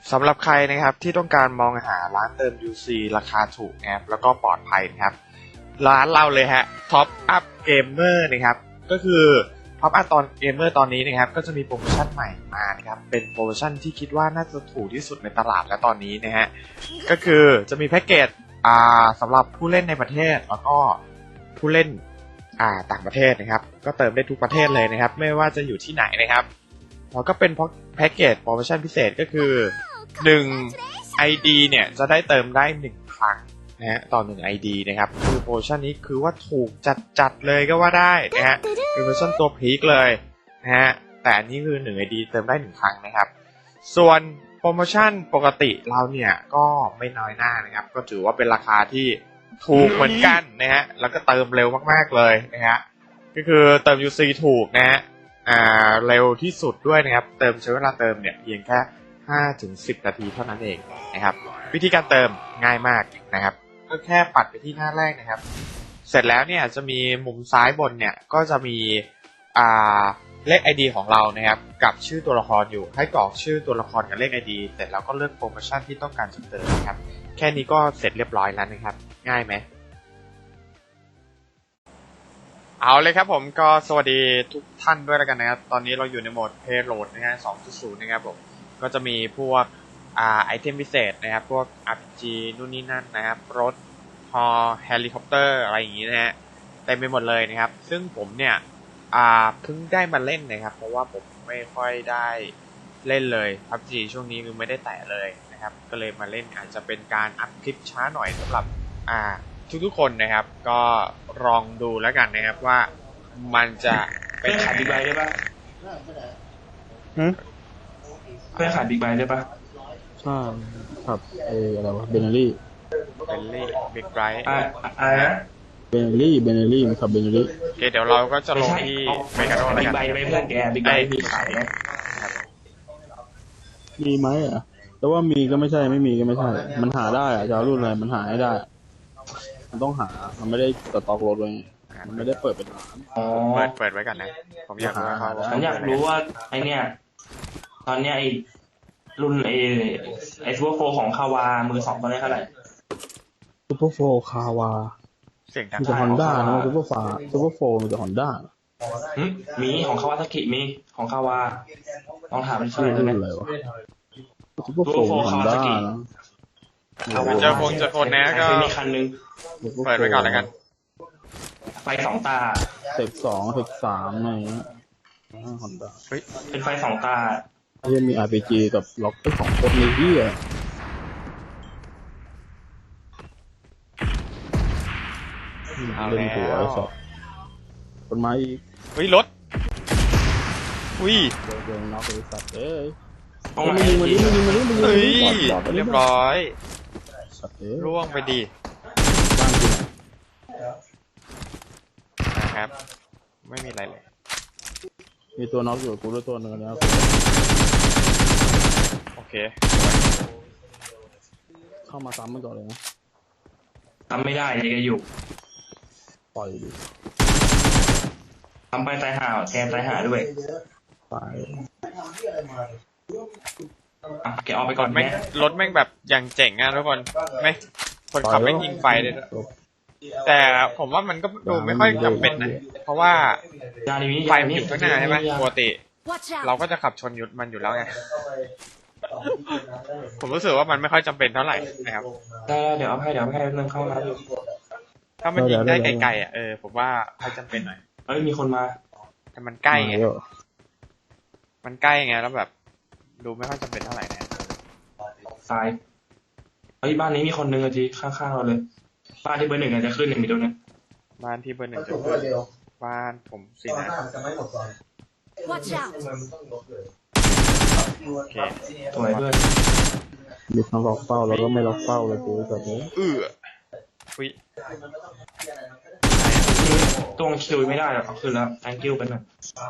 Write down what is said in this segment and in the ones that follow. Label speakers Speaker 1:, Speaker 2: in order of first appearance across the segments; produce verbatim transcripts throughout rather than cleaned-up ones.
Speaker 1: สำหรับใครนะครับที่ต้องการมองหาร้านเติม ยู ซี ราคาถูกนะครับแล้วก็ปลอดภัยนะครับร้านเราเลยฮะ Top Up Gamer นะครับก็คือ Top Up ตอน Gamer ตอนนี้นะครับก็จะมีโปรโมชั่นใหม่มานะครับเป็นโปรโมชั่นที่คิดว่าน่าจะถูกที่สุดในตลาดและตอนนี้นะฮะก็คือจะมีแพ็กเกจอ่าสำหรับผู้เล่นในประเทศแล้วก็ผู้เล่นอ่าต่างประเทศนะครับก็เติมได้ทุกประเทศเลยนะครับไม่ว่าจะอยู่ที่ไหนนะครับแล้วก็เป็นแพ็กเกจโปรโมชั่นพิเศษก็คือหนึ่ง ไอ ดี เนี่ยจะได้เติมได้หนึ่งครั้งนะฮะต่อหนึ่ง ไอ ดี นะครับคือโปรโมชั่นนี้คือว่าถูกจัดๆเลยก็ว่าได้นะฮะเป็นโปรโมชั่นตัวพีคเลยนะฮะแต่อันนี้คือหนึ่ง ไอ ดี เติมได้หนึ่งครั้งนะครับส่วนโปรโมชั่นปกติเราเนี่ยก็ไม่น้อยหน้านะครับก็ถือว่าเป็นราคาที่ถูกเหมือนกันนะฮะแล้วก็เติมเร็วมากๆเลยนะฮะก็คือเติม ยู ซี ถูกนะฮะอ่าเร็วที่สุดด้วยนะครับเติมใช้เวลาเติมเนี่ยเพียงแค่ห้าถึงสิบนาทีเท่านั้นเองนะครับวิธีการเติมง่ายมากนะครับก็แค่ปัดไปที่หน้าแรกนะครับเสร็จแล้วเนี่ยจะมีมุมซ้ายบนเนี่ยก็จะมีอ่าเลข ไอ ดี ของเรานะครับกับชื่อตัวละครอยู่ให้กรอกชื่อตัวละครกับเลข ไอ ดี เสร็จแล้วก็เลือกโปรโมชั่นที่ต้องการจะเติมนะครับแค่นี้ก็เสร็จเรียบร้อยแล้วนะครับง่ายไหมเอาเลยครับผมก็สวัสดีทุกท่านด้วยแล้วกันนะครับตอนนี้เราอยู่ในโหมด Payload นะฮะ สองจุดศูนย์ นะครับผมก็จะมีพวกอ่าไอเทมพิเศษนะครับพวก อาร์ พี จี นู่นนี่นั่นนะครับรถฮอเฮลิคอปเตอร์อะไรอย่างงี้นะฮะเต็มไปหมดเลยนะครับซึ่งผมเนี่ยอ่าเพิ่งได้มาเล่นนะครับเพราะว่าผมไม่ค่อยได้เล่นเลย พับจี ช่วงนี้คือไม่ได้แตะเลยนะครับก็เลยมาเล่นอาจจะเป็นการอัพคลิปช้าหน่อยสำหรับอ่าทุกๆคนนะครับก็ลองดูแล้วกันนะครับว่ามันจะเป็น
Speaker 2: ขายบิ๊กไบค์ได้ปะ
Speaker 3: หืม
Speaker 2: เพื่อขายบิ๊กไบค์ได้ปะ
Speaker 3: ใช่ครับเอออะไรวะเบเนลี่
Speaker 1: เบลลี่บิ๊กไบรท์
Speaker 2: อ่าอะไรนะ
Speaker 3: เบเนลี่เบเนลี่มันขับเบเนลี่
Speaker 1: โอเคเดี๋ยวเราก็จะลงที่เมกาโดแล้วกัน
Speaker 2: บิ๊กไบค์ไม่เพื่อนแกบิ๊กไบค์มีขายไหม
Speaker 3: มีไหมอ่ะแต่ว่ามีก็ไม่ใช่ไม่มีก็ไม่ใช่มันหาได้อ่ะจะเอารุ่นอะไรมันหาให้ได้มันต้องหามันไม่ได้สต็อกรถไว้มันไม่ได้เปิดเป็นร้าน
Speaker 2: อ๋อ
Speaker 1: เปิดเปิดไว้ก่อนนะผมอยากรู้ว่าเขา
Speaker 2: ฉันอยากรู้ว่าไอเนี้ยตอนเนี้ยไอรุ่นไอไอซูเปอร์โฟร์ของคาวามือสองตอนนี้เท่าไหร่
Speaker 3: ซูเปอร์โฟร์คาวา
Speaker 1: เสียงดัง
Speaker 3: มีแต่ฮอนด้านะซูเปอร์ฟาซูเปอร์โฟร์มีแต่ฮอนด้า
Speaker 2: มีของคาวาซากิมีของคาวาลองถามมันชื่อได้ไหม
Speaker 3: อะไรวะซูเปอร์โฟร์ฮอนด้านะ
Speaker 1: เจอพงเจอคนนะก็
Speaker 2: มีคันนึง
Speaker 1: เปิดไว้ก่อนแล้วกัน
Speaker 2: ไฟสองตา
Speaker 3: เทคสองเทคสามอะไรเงี้ยฮอนด้า
Speaker 2: เป็นไฟสองตา
Speaker 3: ยังมี อาร์ พี จี กับล็อกเตอร์ของโคตรในที่อ่ะเล่นหัวไอ้สัสคนไม้อีก
Speaker 1: เฮ้ยรถอุ้ย
Speaker 3: เดินน็อกไอ้สัสเอ้ย
Speaker 2: มันยิงมันยิงมันยิงมันยิงมันยิง
Speaker 1: เฮ้ยเรียบร้อยร่วงไปดีนะครับไม่มีอะไรเลย
Speaker 3: มีตัวน็อกอยู่กูด้วยตัวนึงแล้ว
Speaker 1: โอเค
Speaker 3: เข้ามาซ้ำมันก่อนเลยนะ
Speaker 2: ทำไม่ได้เลยก็อยู่
Speaker 3: ปล่อยดิ
Speaker 2: ทำไปตายห่าแกตายห่าด้วย
Speaker 3: ตาย
Speaker 2: อ่ะแกออกไปก่อน
Speaker 1: แม่งรถแม่งแบบอย่างเจ๋งอ่ะทุกคนไม่คนขับไม่ยิงไฟเลยแต่ผมว่ามันก็ดูไม่ค่อยจำเป็นนะเพราะว่าไฟมันอยู่ข้างหน้าใช่ไหมปกติเราก็จะขับชนยุดมันอยู่แล้วไงผมรู้สึกว่ามันไม่ค่อยจำเป็นเท่าไหร่นะครับ
Speaker 2: ได้เดี๋ยวเอาให้เดี๋ยวให้เรื่องเข้ามาดู
Speaker 1: ถ้ามันยิงได้ไกลๆอ่ะเออผมว่าค่อยจำเป็นหน่อย
Speaker 2: เอ้ยมีคนมา
Speaker 1: แต่มันใกล้ไงมันใกล้ไงแล้วแบบดูไม่ค่อยจำเป็นเท่าไหร่นะ
Speaker 2: ตายเฮ้ยบ้านนี้มีคนนึงอะจีข้างๆเราเลยบ้านที่เบอร์หนึ่งอาจจะขึ้นหนึ่งมีตัวนึง
Speaker 1: บ้านที่เบอร์หนึ่งจะขึ้นบ้านผมสินะ
Speaker 4: Watch out
Speaker 1: โอเค
Speaker 2: สวยเพื่อน
Speaker 3: มีทั้งล็อกเป้าแล้วก็ไม่ล็อกเป้าเลยกูแบบนี้
Speaker 1: เอออุ้ย
Speaker 2: ตัวคิวไม่ได้หรอกคือแล้ว thank you เป็นแบบ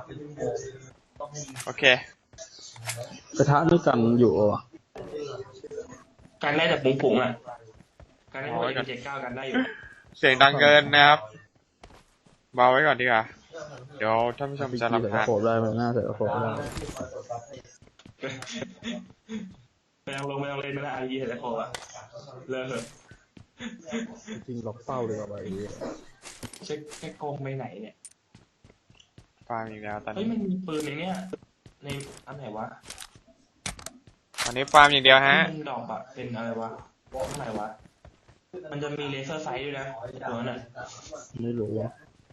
Speaker 1: โอเค
Speaker 3: กระทะด้วยกันอยู่อ่ะ
Speaker 2: การได้แต่ปุ๋งๆอ่ะการได้แต่เจ็ดเก้ากันได้อยู่
Speaker 1: เสียงดังเกินนะครับเบาไว้ก่อนดีกว่าเดี๋ยวท่านผู้ชมจะรำคาญ
Speaker 3: โผล่ได้ไหมหน้าใส่โผล่ได้
Speaker 2: เวลาต้องลงไม่ต้องเล่นไม่ได้ไอ้ยี่เห็นแล้วโผล่อะเลิกเถอะ
Speaker 3: จริงล็อกเป้าเลยกับไอ้เหี้ย
Speaker 2: เช็คแค่โกงไปไหนเนี่ย
Speaker 1: ฟาร์มอีกแล้วตอน
Speaker 2: เฮ้ย
Speaker 1: นี้
Speaker 2: มันมีปืนในเนี้ยในอันไหนวะ
Speaker 1: ตอนนี้ฟาร์มอย่างเดียวฮะ
Speaker 2: มันดอกอะเป็นอะไรวะข้างไหนวะมันจะมีเลเซอร์ไซด์ด้วยนะตัวนั้นอะ
Speaker 3: ไม่รู้ว่า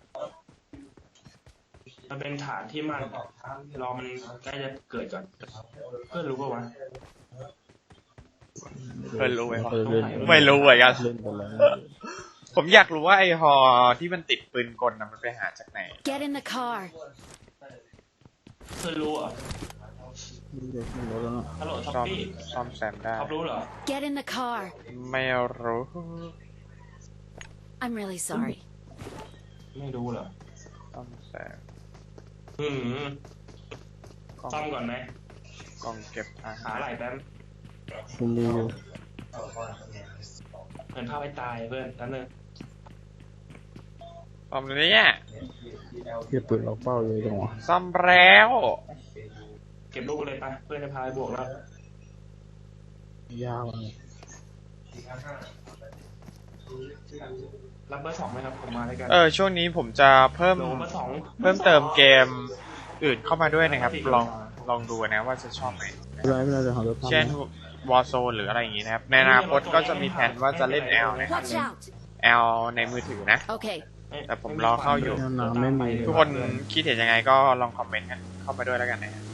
Speaker 2: มันเป็นฐานที่มันรอมันใกล้จะเกิดก่อนเพื่อนรู้ป่าวะ
Speaker 1: เพื่อนรู้ไหมวะ
Speaker 3: เคยเล่น
Speaker 1: ไม่รู้เหมือนกัน
Speaker 3: เล่นกันแล้ว
Speaker 1: ผมอยากรู้ว่าไอฮอที่มันติดปืนกลนะมันไปหาจากไหน
Speaker 4: Get in the car.
Speaker 2: เพื่อนรู้เหรอ
Speaker 3: ไม่ได้ไม่รู้แล้วเนาะ
Speaker 2: ฮัลโหลท็อป
Speaker 1: ซ่อม
Speaker 2: ปี้
Speaker 1: ซ่อมแซมได้
Speaker 2: ท็อปรู้เหรอ
Speaker 4: Get in the car.
Speaker 1: ไม่รู้
Speaker 4: I'm really sorry.
Speaker 2: ไม่รู้เหรอ
Speaker 1: ซ่อมแซม
Speaker 2: อืม
Speaker 1: กล้อง
Speaker 2: ซ่อมก่อนไหม
Speaker 1: กล้องเก็บอา
Speaker 2: หา
Speaker 1: หาร
Speaker 2: ไหล่แป๊บ
Speaker 3: คุณมีอยู่
Speaker 2: เหมือนพาไปตายเพื่อนนั่นเลย
Speaker 1: ซ่อมเลยเนี่ย
Speaker 3: เทียบปืนล็อกเป้าเลยจังหวะ
Speaker 1: ซ่อมแล้ว
Speaker 2: เก็บลูกเลยปะเพื่อนจะพาไปบวกแล้ว
Speaker 3: ยาวเลย
Speaker 2: รับเบอร์สองไหมครับผมมาด้วยกัน
Speaker 1: เออช่วงนี้ผมจะเพิ่ม
Speaker 2: โลเบอร์สอง
Speaker 1: เพิ่มเติมเกมอื่นเข้ามาด้วยนะครับ ลองลองดูนะว่าจะชอบไหม
Speaker 3: ไม่เป็นไรไม่เป็นไรเดี๋ยวหารถทำ
Speaker 1: เช่น Warzone หรืออะไรอย่างงี้นะครับ ในอนาคตก็จะมีแผนว่าจะเล่น L นะครับ
Speaker 4: Watch out.
Speaker 1: L ในมือถือนะ
Speaker 4: Okay.
Speaker 1: แต่ผมรอเข้าอยู่
Speaker 3: น้ำไม่มี
Speaker 1: ทุกคนคิดเห็นยังไงก็ลองคอมเมนต์กันเข้ามาด้วยแล้วกันนะฮะ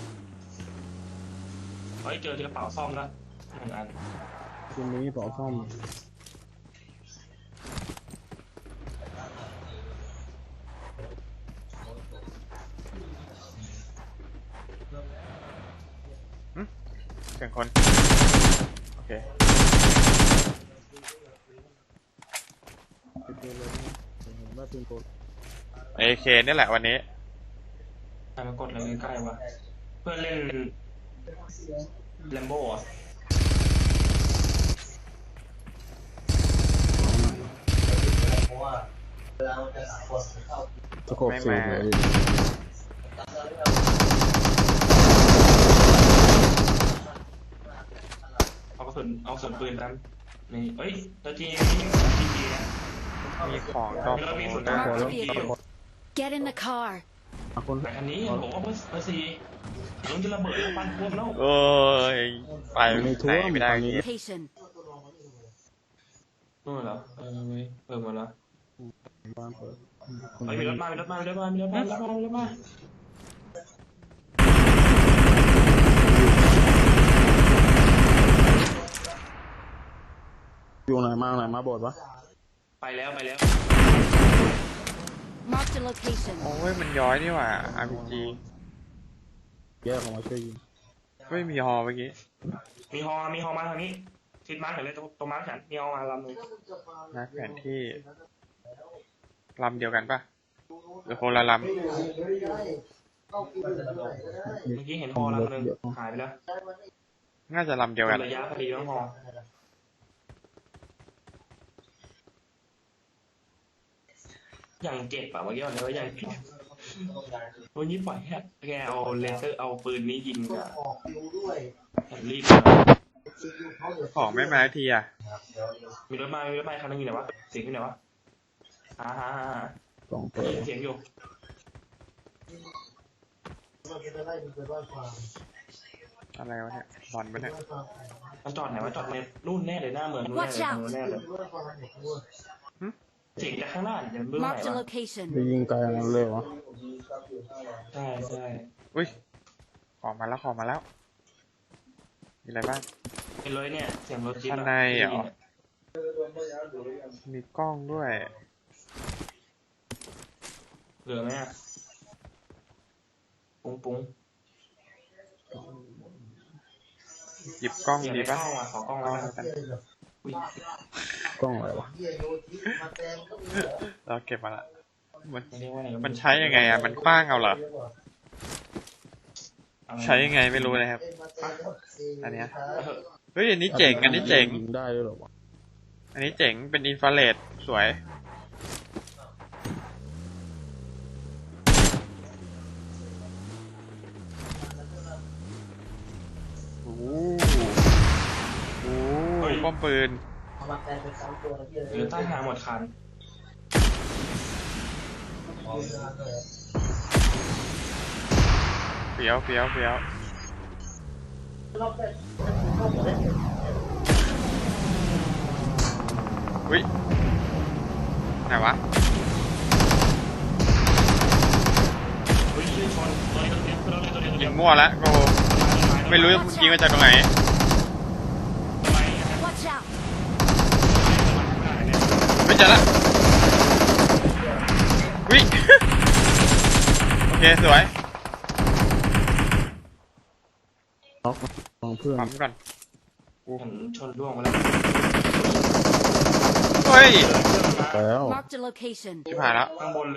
Speaker 2: เฮ้ยเจอกระเป๋าซ่อมแล้วหนึ่งอัน
Speaker 3: คุณมีเป๋าซ่อม
Speaker 1: เสียงคน โอเค
Speaker 3: ติดตัวเลยนะเห็นว่าเป็นตัว
Speaker 1: เอเคนี่แหละวันนี้
Speaker 2: ใครมากดอะไรใกล้ๆวะเพื่อนเล่นแลมโบ้อะ
Speaker 3: สะกบสีเลย
Speaker 2: เอากระสุนเอากระสุนปืนแป๊บนี่เอ้ยตัวจริงนี่จริงจริงนะ
Speaker 1: มีของดอก
Speaker 2: มีรถมีสุด
Speaker 1: ได้
Speaker 2: ท้าย
Speaker 3: พอแล้ว
Speaker 2: จริงอยู่
Speaker 4: Get in the car.
Speaker 3: คน
Speaker 2: แต่คันนี้ผมว่าเบอร์เบอร์สี่ลุงจะระเบิดแล้วปั้นท่วมแล้ว
Speaker 1: เอ้ยไปไหนไม่ได้
Speaker 4: Patient.
Speaker 2: นู่นเหรอเออเว้ยเปิดหมดแล้ว
Speaker 3: บ้านเปิด
Speaker 2: เฮ้ยมีรถมามีรถมามีรถมามีรถมามีรถมามีรถมา
Speaker 3: อยู่ไหนมาไหนมาโบสถ์วะ
Speaker 2: ไปแล้วไปแล้ว
Speaker 4: Marked a location.
Speaker 1: โอ้ยมันย้อยนี่หว่า อาร์ พี จี
Speaker 3: แยกออกมาช่วยยิง
Speaker 1: ไม่มีฮอเมื่อกี้
Speaker 2: มีฮอมีฮอมาทางนี้ทิศมาร์คเห็นเลยตรงตรงมาร์คฉันมีฮอมาลำหนึง
Speaker 1: นะแผนที่ลำเดียวกันปะหรือคนละล
Speaker 2: เมื่อกี้เห็นฮอลำหนึงหายไปแล้ว
Speaker 1: ำน่าจะลำเดียวกัน
Speaker 2: ระยะพอดีต้องฮออย่างเจ็บอะเมื่อกี้วันนี้ว่าอย่างเจ็บวันนี้ปล่อยแค่แกเอาเลเซอร์เอาปืนนี้ยิงอะรีบ
Speaker 1: ของไม่มาสักทีอ่ะ
Speaker 2: มีรถมามีรถมาคันนึงอยู่ไหนวะเสียงอยู่ไหนวะอ่าฮะ
Speaker 3: สองตัว
Speaker 2: เสียงอยู่
Speaker 1: อะไรวะเนี่ยบอลปะเนี่ย
Speaker 2: มันจอดไหนวะจอดในนู่นแน่เลยหน้าเมืองนู่นแน่เลยนู่นแน่เลยเสียงจากข้างหน้าเนี่ยเบื้องไหน
Speaker 4: Marked a
Speaker 2: วะ
Speaker 4: location.
Speaker 3: ไปยิงไกลนั้นเลยวะ
Speaker 2: ใช่ใช่
Speaker 1: อุ้ยของมาแล้วของมาแล้ว มีอะไรบ้าง
Speaker 2: เป็นเลยเนี่ยเสียงรถจิ๊บ
Speaker 1: ข้างในเหรอ มีกล้องด้วย
Speaker 2: เหลือไหมอะปุ้งปุ้ง
Speaker 1: หยิบกล้อง
Speaker 2: อยาก
Speaker 1: ดี
Speaker 2: ได้ก
Speaker 1: ปะ
Speaker 2: ล้องอ่ะขอกล้อง
Speaker 1: กล้
Speaker 2: แล้
Speaker 1: อง
Speaker 2: วกัน
Speaker 1: แล้วกัน
Speaker 2: อุ้ย
Speaker 3: กล้องอะไรวะ
Speaker 1: เราเก็บมาละมัน
Speaker 2: ไม่เรียกว่าอะไร
Speaker 1: มันใช้ยังไงอ่ะ มันคว้างเอาเหรอ
Speaker 2: เอา
Speaker 1: ใช้ยังไงไม่รู้เลยครับ อันเนี้ย
Speaker 2: เอาเถอะ
Speaker 1: เฮ้ย อันนี้เจ๋ง อันนี้เจ๋ง
Speaker 3: ยิงได้ด้วยเหรอวะ
Speaker 1: อันนี้เจ๋ง เป็นอินฟราเรดสวย โอ้โหป้อมปืน
Speaker 2: หรือใต้หางหมดคัน
Speaker 1: เฟี้ยวเฟี้ยวเฟี้ยวอุ้ยไหนวะ
Speaker 2: เฮ้ยชนตัวนี้ตัวนี้ตัวนี้ตัวนี้ตัว
Speaker 1: ยิ
Speaker 2: นี้
Speaker 1: งมั่วแล้วโกไม่รู้ยิงมาจากตรงไหน
Speaker 4: Watch out!
Speaker 1: ไม่เจอละวิ โอเคสวย
Speaker 3: ล็อกมองเพื่อน
Speaker 1: ปั๊มก่อน
Speaker 2: ผมชนร่วงไปแล้ว
Speaker 1: เฮ้ย
Speaker 3: แล้ว
Speaker 4: Marked a location.
Speaker 1: ชิบหายแล้ว
Speaker 2: ข้างบนเลย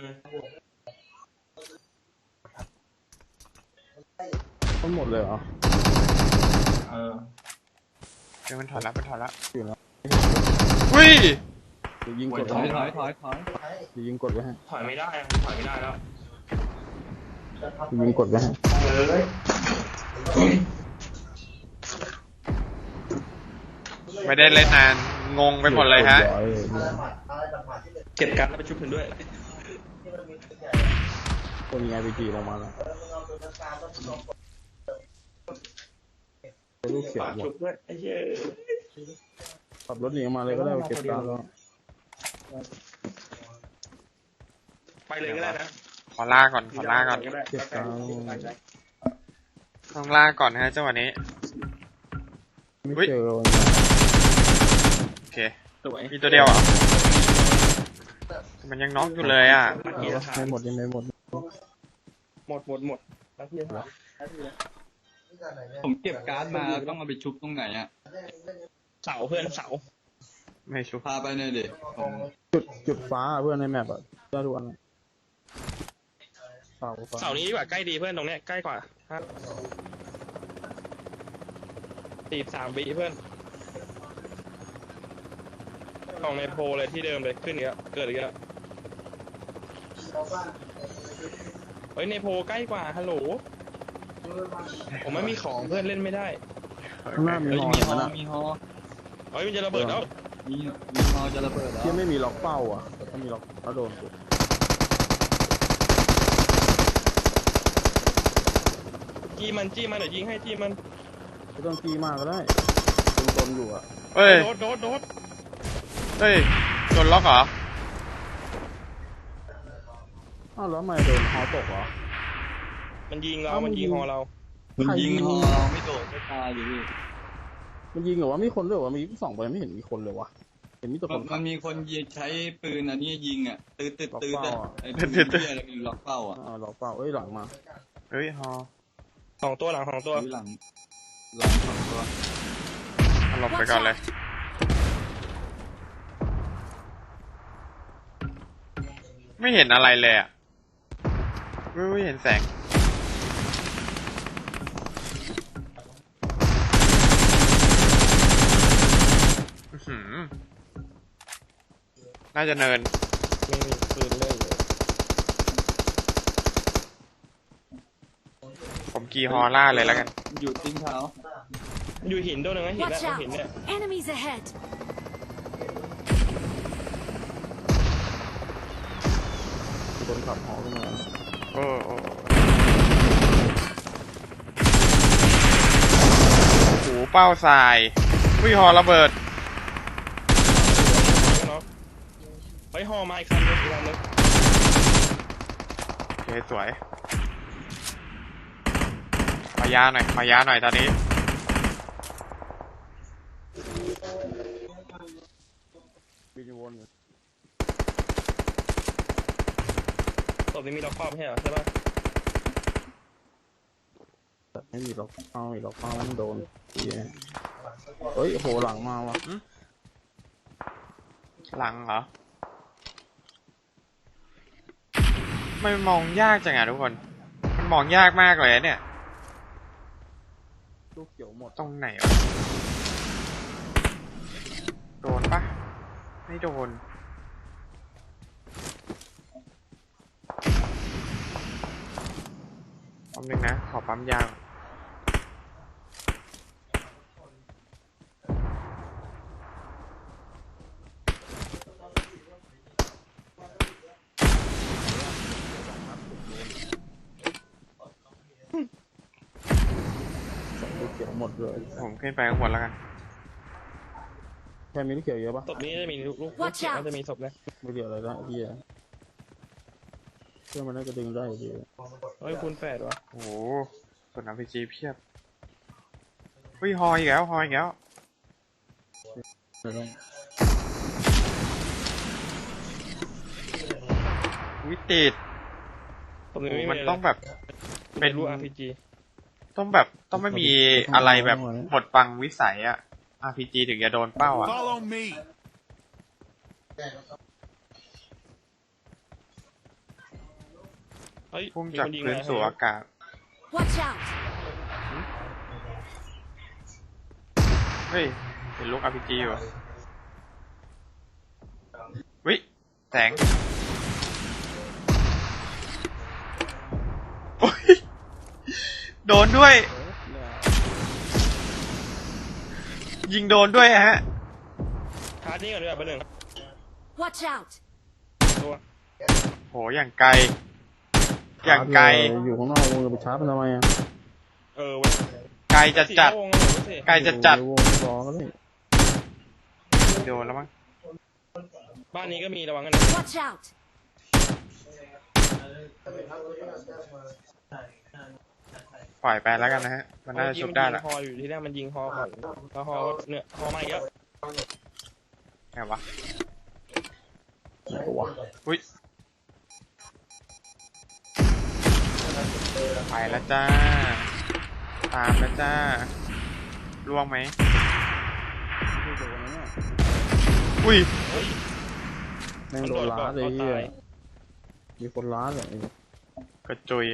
Speaker 3: ทั้งหมดเลยเหรอ
Speaker 2: เออ
Speaker 1: เดี๋ยวมันถอยแล้วมันถอยแล้ว
Speaker 3: อยู่แล้ว
Speaker 1: วิ
Speaker 3: เดี๋ยวยิงกด
Speaker 2: ถอย
Speaker 3: ไว้
Speaker 2: ถอยถอยถอย
Speaker 3: เดี๋ยวยิงกดไว้ให้
Speaker 2: ถอยไม่ได้อะถอยไม่ได้แล้ว
Speaker 3: เดี๋ยวยิงกดไว้ให้
Speaker 1: ไม่ได้เล่นนานงงไปหมดเลยฮะ
Speaker 3: รีบร้อยเลย
Speaker 2: เก็บการ์ดแล้วไปชุบถึงด้วย
Speaker 3: คนยิง ไอ พี จี ลงมาแล้วลูกเสีย
Speaker 2: ฝาก
Speaker 3: หม
Speaker 2: ชุ
Speaker 3: ด
Speaker 2: บด้วยไอ้เหี้ย
Speaker 3: ขับรถหนีออกมาเลยก็ได้ไปเก็บการแล้ว
Speaker 2: ไปเลยก็ได้นะ
Speaker 1: ขอล่าก่อนขอล่าก่อน
Speaker 2: ก็ได้
Speaker 3: เก็บการ
Speaker 1: ต้องล่าก่อนนะฮะจังหวะนี้
Speaker 3: ไม่เจอวัน
Speaker 1: โอเค
Speaker 2: สวย
Speaker 1: มีตัวเดียวเหรอมันยังน็อกอยู่เลยอ่ะ
Speaker 3: นี้ไม่หมดยังไม่หมด
Speaker 2: หมดหมดหมดนักเรียนเหรอ
Speaker 5: ผมเก็บการ์ดมาแล้วต้องเอาไปชุบตรงไหนอ่ะ
Speaker 2: เสาเพื่อนเสา
Speaker 1: ไม่ชุบ
Speaker 5: พาไปหน่อยดิผม
Speaker 3: จุดจุดฟ้าเพื่อนในแมปอะได้ทุกอันเสาฟ้า
Speaker 2: เสานี้ดีกว่าใกล้ดีเพื่อนตรงเนี้ยใกล้กว่าครับตีสามบีเพื่อนของในโพลเลยที่เดิมเลยขึ้นอีกแล้วเกิดอีกแล้วเฮ้ยในโพลใกล้กว่าฮัลโหลผมไม่มีของเพื่อนเล่นไม่ได้
Speaker 3: ข้างหน้ามี
Speaker 5: เฮ้ย
Speaker 3: หอ
Speaker 5: มีฮอ
Speaker 3: นะ
Speaker 5: มีฮอ
Speaker 2: เฮ้ยมันจะระเบิดแล้ว
Speaker 5: มีมีฮอจะระเบิดแล้ว
Speaker 3: ที่ไม่มีล็อกเป้าอ่ะแต่ถ้ามีล็อกถ้าโดนกด
Speaker 2: จี้มันจี้มันเดี๋ยวยิงให้จี้มัน
Speaker 3: ไม่ต้องจี้มากก็ได้ตนๆอยู่อ่ะ
Speaker 1: เฮ้ย
Speaker 2: โดดโดดโดด
Speaker 1: เฮ้ยโดนล็อกเหรอ
Speaker 3: อ้าวแล้วทำไมโดนฮอตกเหรอ
Speaker 2: มันยิงเรา
Speaker 3: เอ้ามั
Speaker 2: มัน น
Speaker 3: ยิ
Speaker 2: ยิ
Speaker 3: ง
Speaker 2: งฮอเรา
Speaker 5: มันยิง
Speaker 3: ใครยิง
Speaker 5: ฮอเราไม่โดดไม่ตายอยู่ดิ
Speaker 3: มันยิงเหรอวะมีคนด้วยเหรอวะมีสองไปไม่เห็นมีคนเลยวะเห็นมีแต่ค
Speaker 5: มัน นมันมีคนยิงใช้ปืนอันนี้ยิงอ่ะตืดตืดตืด
Speaker 3: ล็อก
Speaker 5: อ่ะ
Speaker 3: เป้าอะ
Speaker 5: ไอ้ปืนเหี้ยอะไรมีล็อกเป้าอ่ะ
Speaker 3: อ่าล็อกเป้าเอ้ยหลังมา
Speaker 1: เฮ้ยฮอ
Speaker 2: สองตัวหลังสองตัว
Speaker 5: หรือหลังหลังสองตัว
Speaker 1: เอาหลบไปก่อนเลย ไม่เห็นอะไรเลยอ่ะไม่ไม่เห็นแสงอื้อหือน่าจะเนิน
Speaker 2: ไม่มีปืนเล่นเลย
Speaker 1: ผมกีฮอล่าเลยแล้วกัน
Speaker 5: อยู่ติ้งเท้า
Speaker 2: อยู่หินตัวหนึงนะหิน
Speaker 4: Watch
Speaker 2: นะ
Speaker 4: out!
Speaker 2: หินเนี่ย
Speaker 4: Enemies ahead!
Speaker 3: คนขับฮอขึ้นมา
Speaker 1: โอ้โอ้โหเป้าทรายวิฮอระเบิด
Speaker 2: เนาะเฮ้ยฮอมาอีกคันนึงอีกคันนึง
Speaker 1: โอเคสวยขอยาหน่อยขอยาหน่อยตอนนี้
Speaker 3: บินวนอยู่
Speaker 2: ศพนี้มีล็อกครอบใช่เหรอใช่ปะ
Speaker 3: แต่ไม่มีล็อกเป้าอีกล็อกเป้ามันโดนเหี้ยเฮ้ยโหหลังมาวะ
Speaker 1: หลังเหรอไม่มองยากจังอะทุกคน มันมองยากมากเลยอะเนี่ย
Speaker 3: ลูกเขียวหมด
Speaker 1: ตรงไหนวะโดนปะไม่โดนปั๊มหนึ่งนะ ขอปั๊มยาง
Speaker 3: เลย
Speaker 1: ผมขึ้นไปข้างบนแล้วกัน
Speaker 3: แค่มีลูกเขียวเยอะปะ
Speaker 2: ศพนี้จะมีลูกลูก
Speaker 4: Watch
Speaker 2: เขียว
Speaker 4: out
Speaker 2: น่าจะมีศพนะ
Speaker 3: ไม่เกี่ยวอะไรนะไอ้เฮียเชื่อมันน่าจะดึงได้อยู่ดี
Speaker 2: เฮ้ยคูณแปดวะ
Speaker 1: โอ้โหส่วน อาร์ พี จี เพียบเฮ้ยฮออีกแล้วฮออีกแล้ว
Speaker 3: ไม่ต้อง
Speaker 1: วิติด
Speaker 2: ศพนี้
Speaker 1: โอ้
Speaker 2: ไม่
Speaker 1: มัน
Speaker 2: มี
Speaker 1: ต้องแบบ
Speaker 2: เป็
Speaker 1: เป็น น
Speaker 2: ลูก อาร์ พี จี
Speaker 1: ต้องแบบต้องไม่มีอะไรแบบหมดบังวิสัยอะ อาร์ พี จี ถึงจะโดนเป้าอะ
Speaker 6: Follow me.
Speaker 2: เฮ้ย
Speaker 1: พุ่ง
Speaker 2: มี
Speaker 1: จาก
Speaker 2: คนยิง
Speaker 1: พื้น
Speaker 2: มา
Speaker 1: สู่อากาศ
Speaker 4: Watch out!
Speaker 1: เฮ้ยเห็นลูก อาร์ พี จี อยู่วิแสงโอ้ยโดนด้วย ยิงโดนด้วยฮะ
Speaker 2: ชาร์จนี่ก่อนดีกว่าเบอร์หนึ่ง
Speaker 4: Watch out!
Speaker 2: ตัว
Speaker 1: โหอย่างไกล อย่างไกล
Speaker 3: อยู่ข้างนอกวงจะไปชาร์จมันทำไมอ่ะ
Speaker 2: เออเว้ย
Speaker 1: ไกลจัดจัด
Speaker 2: สี่วงเลยเว้ยสิ
Speaker 1: ไกลจัดจัด
Speaker 3: อยู่ในวงรอก็ได้
Speaker 1: โดนแล้วมั้ง
Speaker 2: บ้านนี้ก็มีระวังกันนะ
Speaker 4: Watch out!
Speaker 1: ปล่อยไปแล้วกันนะฮะ มันน่าจะชุบได้ละ
Speaker 2: เมื่อกี้มันยิงฮออยู่ที่แรกมันยิงฮอก่อนแล้วฮอเนี่ยฮอมาอีกแล้ว
Speaker 1: ไงวะ
Speaker 3: ไหนวะ
Speaker 1: อุ้ยไปแล้วจ้า ตามแล้วจ้าล่วงไหม
Speaker 3: ไม่โดนนะเนี่ย
Speaker 1: อุ้ย
Speaker 3: แม่งโดนล้าเลยเฮียมีคนล้าเลย
Speaker 1: กระจุย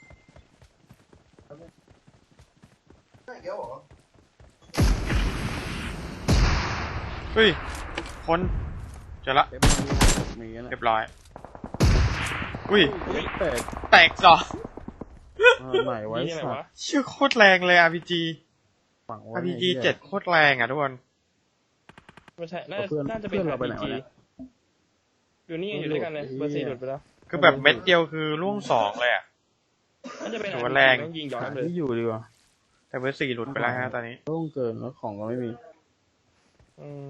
Speaker 1: เฮ้ย คนเจอละ
Speaker 3: เต็มมีนะ
Speaker 1: เรียบร้อย อุ้ย
Speaker 3: แตก
Speaker 1: แตกสอง
Speaker 3: ไหนไว้
Speaker 2: นี่อะไร
Speaker 3: สัต
Speaker 2: วะ
Speaker 3: ว์
Speaker 1: ชื่อโคตรแรงเลย อาร์ พี จี
Speaker 3: ฝังไว้
Speaker 1: อาร์ พี จี เจ็ดโคตรแรงอ่ะทุกคน
Speaker 2: ไม่ใช่น่า
Speaker 3: เพื่อน
Speaker 2: น่าจะเป็น
Speaker 3: เพื่อนเรา
Speaker 2: อาร์
Speaker 3: ไป
Speaker 2: พี
Speaker 3: ไหนวะ
Speaker 2: จี
Speaker 3: เนี่ย
Speaker 2: อยู่นี่อยู่ด้วยกันเลยเบอร์สี่หลุดไปแล้ว
Speaker 1: คือแบบเม็ดเดียวคือล่วงสองเลยอ่ะ
Speaker 2: น่าจะเป็น
Speaker 1: ถื
Speaker 2: อา
Speaker 1: อ
Speaker 2: ร์
Speaker 1: ว่า
Speaker 2: พี
Speaker 1: แรง
Speaker 2: จีต้องยิงย้อน
Speaker 3: หา
Speaker 2: เลย
Speaker 3: ที่อยู่ดีกว่า
Speaker 1: แต่เบอร์สี่หลุดไปแล้วฮะตอนนี้
Speaker 3: ต้องเกินแล้วของก็ไม่มี
Speaker 2: อืม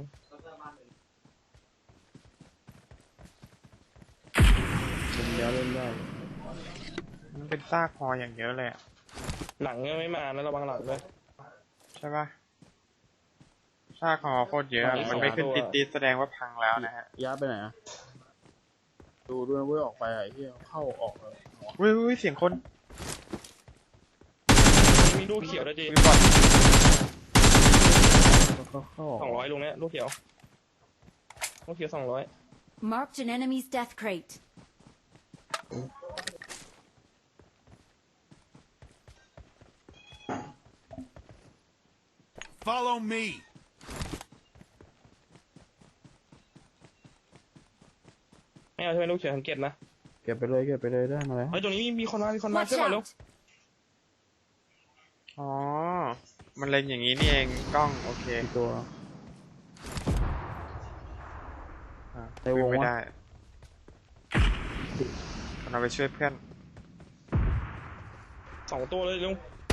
Speaker 3: เล่นแล้วเล่นได้
Speaker 1: มันเป็นซากพออย่างเยอะเลยอะ
Speaker 2: หลังยังไม่มานะระวังหลังด้วย
Speaker 1: ใช่ปะซากพอโคตรเยอะอะ
Speaker 2: ตอนนี้
Speaker 1: มันไม่ขึ้น
Speaker 2: สอง
Speaker 1: ติ
Speaker 2: ตั
Speaker 1: ด
Speaker 2: ว
Speaker 1: ติดแสดงว่าพังแล้วนะฮะ
Speaker 3: ย้ายไปไหนอ่ะดูด้วยเว้ยออกไปอ่ะไอ้เหี้ยเข้าออกเลย
Speaker 1: อุ้ยอุ้ยเสียงคน
Speaker 2: มีลูกเขียวด้วยจี
Speaker 1: มีบอล
Speaker 3: เข้าเข้าออก
Speaker 2: สองร้อยลุงเนี้ยลูกเขียวลูกเขียวสองร้อย
Speaker 4: Marked an enemy's death crate.
Speaker 6: Follow me.
Speaker 2: ไม่เอาใช่ไหมลูกเขียวสังเกตนะ
Speaker 3: เก็บไปเลยเก็บไปเลยได้มาแล้ว
Speaker 2: เฮ้ยตรงนี้มีคนมามีคนมา
Speaker 4: Watch
Speaker 2: ช่วยก่อนลูก
Speaker 4: out!
Speaker 1: อ๋อ มันเล่นอย่างนี้นี่เองกล้องโอเค
Speaker 3: กี่ตัว
Speaker 1: อ่ะ
Speaker 3: ในวง
Speaker 1: วิ่ไม่
Speaker 3: วะ
Speaker 1: ได้เราไปช่วยเพื่อน
Speaker 2: สองตัวเลยลุง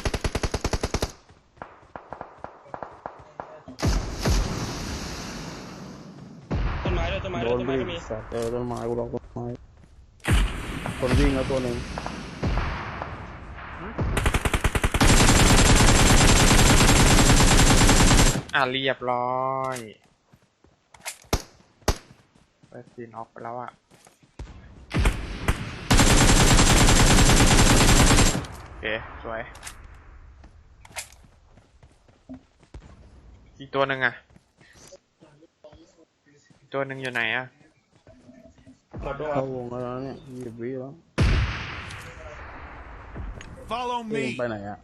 Speaker 2: ต้นไม้ด้วยต้นไม้
Speaker 3: โด
Speaker 2: ด้วย
Speaker 3: น
Speaker 2: ต้นไม้
Speaker 3: วิ่
Speaker 2: ก็
Speaker 3: ง
Speaker 2: มี
Speaker 3: สัตว์เออต้นไม้กูลองต้นไม้คนวิ่งแล้วตัวหนึ่ง
Speaker 1: อ่ะเรียบร้อยไปซีนออกไปแล้วอ่ะโอเคสวยอีกตัวหนึ่งอ่ะอีกตัวหนึ่งอยู่ไหนอ่ะ
Speaker 2: หมดด้วย
Speaker 3: เข้าวงแล้วนะเนี่ยยี่สิบวิแล้ว
Speaker 6: Follow
Speaker 3: เอง
Speaker 6: me.
Speaker 3: ไปไหนอ่ะ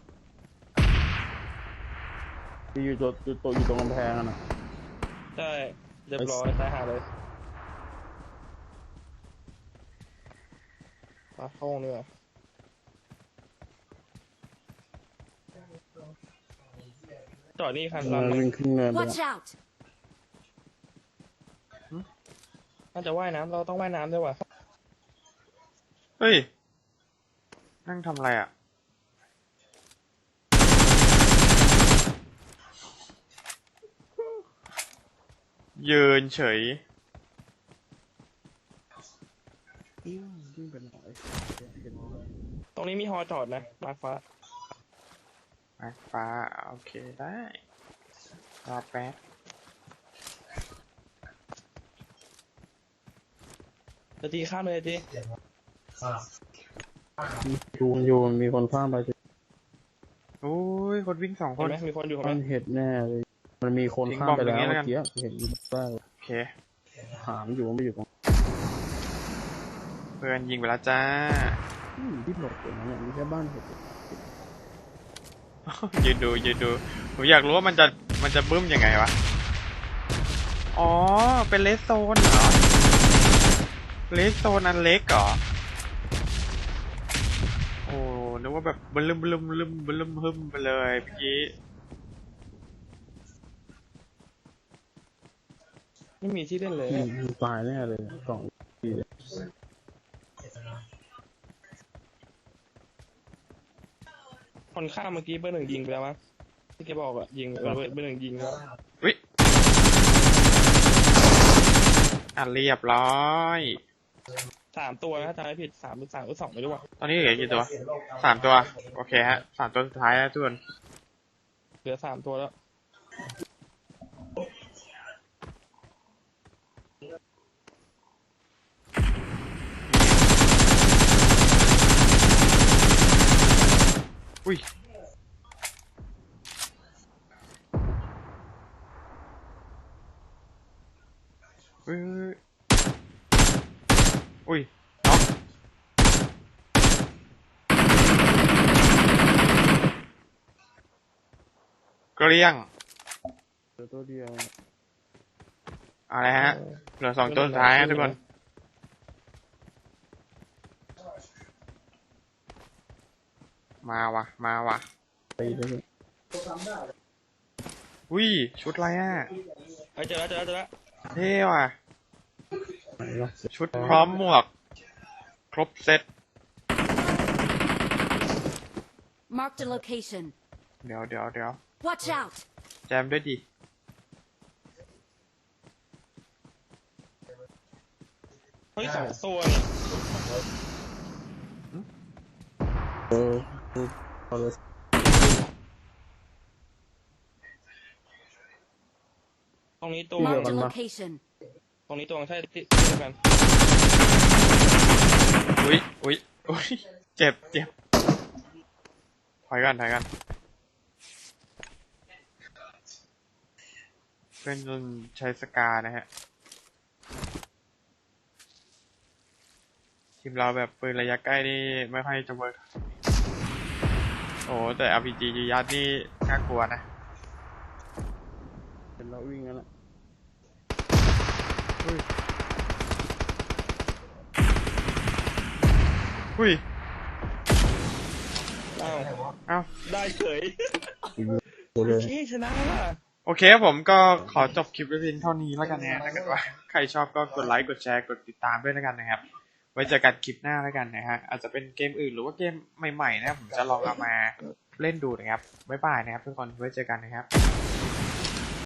Speaker 3: ที่อยู่ตัวอยู่ตัวอยู่ตรงกำแพงอ่ะนะ
Speaker 2: ใช่เรียบร้อยตายหาเลยมาเข้าห้องนี่ว่ะจอดนี่คัน
Speaker 3: เอ
Speaker 2: ลำ
Speaker 3: อ
Speaker 2: หนึ่ง
Speaker 3: วิ่งขึ้นเนินไป
Speaker 4: Watch
Speaker 3: ละ
Speaker 4: out!
Speaker 2: น่าจะว่ายน้ำเราต้องว่ายน้ำด้วยว่ะ
Speaker 1: เฮ้ย นั่งทำอะไรอ่ะยืนเฉย
Speaker 3: วิ่งไปไหน
Speaker 2: ตรงนี้มีฮอจอดนะมาร์คฟ้า
Speaker 1: มาฟ้าโอเคได้รอแป๊บ
Speaker 2: จะตีข้ามเลยจี
Speaker 3: ดูมันอยู่มันมีคนข้ามไป
Speaker 1: โอ้ยคนวิ่งสองค
Speaker 2: เห็น
Speaker 1: น
Speaker 2: ไหมมีคนอยู่เห็นไห
Speaker 3: มั
Speaker 2: ม
Speaker 3: นเห็ดแน่เลย มันมีคนข้ามไปแล้ว
Speaker 1: ทิ้งบอมอย่างนี้
Speaker 3: เมื่
Speaker 1: แล้ว
Speaker 3: อ
Speaker 1: กัน
Speaker 3: กี้เห็นบ้าง
Speaker 1: โอเค
Speaker 3: ถามอยู่ว่าไม่อยู่ตรง
Speaker 1: เพื่อนยิงไปแล้วจ้า
Speaker 3: อืมที่หลบอยู่นะเนี่ยมีแค่บ้านเห็ด
Speaker 1: ยืนดูยืนดูผมอยากรู้ว่ามันจะมันจะบึ้มยังไงวะอ๋อเป็นเลสโซนเหรอเลสโซนอันเล็กเหรอโอ้นึกว่าแบบบลึมบลึมบลึมบลึมฮึมไปเลยเมื่อกี้
Speaker 2: ไม่มีที่เล่นเลย
Speaker 3: อืมมันตายแน่เลยสองทีเลย
Speaker 2: คนข้ามเมื่อกี้เบอร์หนึ่งยิงไปแล้วมั้งที่แกบอกอะยิงเออเบอร์เบอร์หนึ่งยิงแล้ว
Speaker 1: วิอ่ะเรียบร้อย
Speaker 2: สามตัวนะจำไม่ผิดสามหรือสามหรือสองไม่รู้อะ
Speaker 1: ตอนนี้เหลือกี่ตัวสามตัวโอเคฮะสามตัวสุดท้ายแล้วทุกคน
Speaker 2: เหลือสามตัวแล้ว
Speaker 1: อุ้ยอุ้ยอุ้ยน็อกเกลี้ยง
Speaker 3: เหลือตัวเดียว
Speaker 1: อะไรฮะเหลือสองตัวสุดท้ายฮะทุกคนมาวะมาวะ
Speaker 3: ไปเลย
Speaker 1: อุ้ยชุดอะไรอ่ะ
Speaker 2: เฮ้ยเจอแล้วเจอแล้วเจอแล้ว
Speaker 1: เท่ว่ะ
Speaker 3: ไหนวะ
Speaker 1: ชุดพร้อมหมวก ครบเซ็ต
Speaker 4: Marked a location.
Speaker 1: เดี๋ยวเดี๋ยวเดี๋ยว
Speaker 4: Watch out!
Speaker 1: แจมด้วยดิ
Speaker 2: เฮ้ยสองตัวเนี่ย
Speaker 3: เออเอาเลย
Speaker 2: ตรงนี้ตัว
Speaker 4: Marked a location.
Speaker 2: ตรงนี้ตัวใช่ที่ที่เดียวกัน
Speaker 1: อุ้ยอุ้ยอุ้ยเจ็บเจ็บถอยกันถอยกันเพื่อนจนใช้สกานะฮะ ทีมเราแบบปืนระยะใกล้นี่ไม่ค่อยจะเวิร์กโอ้แต่ อาร์ พี จี ยูยัดนี่น่ากลัวนะ
Speaker 3: เห็นเราวิ่งกันละ
Speaker 1: อุ้ย
Speaker 2: อ้าว
Speaker 1: เอ้า
Speaker 2: ได้เฉย
Speaker 3: ตัวเลย
Speaker 2: เฮ้ชนะว่ะ
Speaker 1: โอเคครับผมก็ขอจบคลิปไว้เพียงเท่านี้แล้วกันนะถ้าเกิดว่าใครชอบก็กดไลค์กดแชร์กดติดตามด้วยแล้วกันนะครับ ไว้เจอกันคลิปหน้าแล้วกันนะฮะอาจจะเป็นเกมอื่นหรือว่าเกมใหม่ๆนะผมจะลองเอามาเล่นดูนะครับบ๊ายบายนะครับทุกคนไว้เจอกันนะครับ